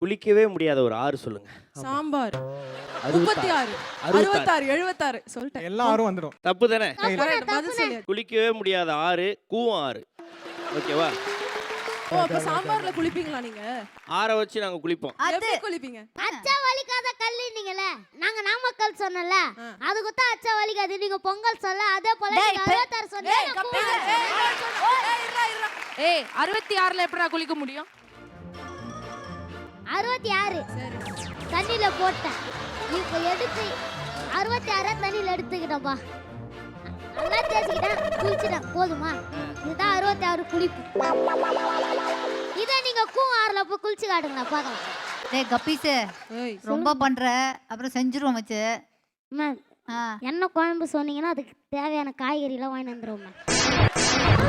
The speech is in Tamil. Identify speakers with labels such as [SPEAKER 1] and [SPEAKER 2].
[SPEAKER 1] குளிக்கவே முடியாத ஒரு ஆறு சொல்லுங்க.
[SPEAKER 2] சாம்பார்.
[SPEAKER 1] 66.
[SPEAKER 2] 66 76 சொல்லிட்டேன்.
[SPEAKER 3] எல்லா ஆறும் வந்துடும்.
[SPEAKER 1] தப்பு தானே?
[SPEAKER 2] Correct, பதில் சொல்லு.
[SPEAKER 1] குளிக்கவே முடியாத ஆறு கூவம் ஆறு. ஓகேவா?
[SPEAKER 2] ஓ அப்ப சாம்பார்ல குளிப்பீங்களா நீங்க?
[SPEAKER 1] ஆற வச்சு நாங்க குளிப்போம்.
[SPEAKER 2] எப்படி குளிப்பீங்க?
[SPEAKER 4] அச்சா வலிக்காத கல்லுனீங்கல, நாங்க நாமக்கல் சொன்னல, அதுக்கு தான் அச்சா வலிக்காது. நீங்க பொங்கல் சொல்ல, அதே போல நீங்க 66 சொன்னீங்க.
[SPEAKER 5] ஏய் 66ல எப்படா குளிக்க முடியும்?
[SPEAKER 4] 66 தண்ணியில போட்டேன். இப்போ எடுத்து 66 தண்ணியில எடுத்துக்கிட்டப்பா. நல்லா தேய்ச்சிக்கிட்டேன், குளிச்சிட்டேன். போதுமா? இதுதான் 66 குளிப்பு. இதை நீங்க கூவாறுல போய் குளிச்சு காட்டுங்க பார்க்கலாம்.
[SPEAKER 6] டேய் கப்பீஸு,
[SPEAKER 2] ஏய்
[SPEAKER 6] ரொம்ப பண்ற, அப்புறம் செஞ்சிருவோம் வச்சு.
[SPEAKER 4] மேம் என்ன குழம்பு சொன்னீங்கன்னா அதுக்கு தேவையான காய்கறிலாம் வாங்கி வந்துடுவோம் மேம்.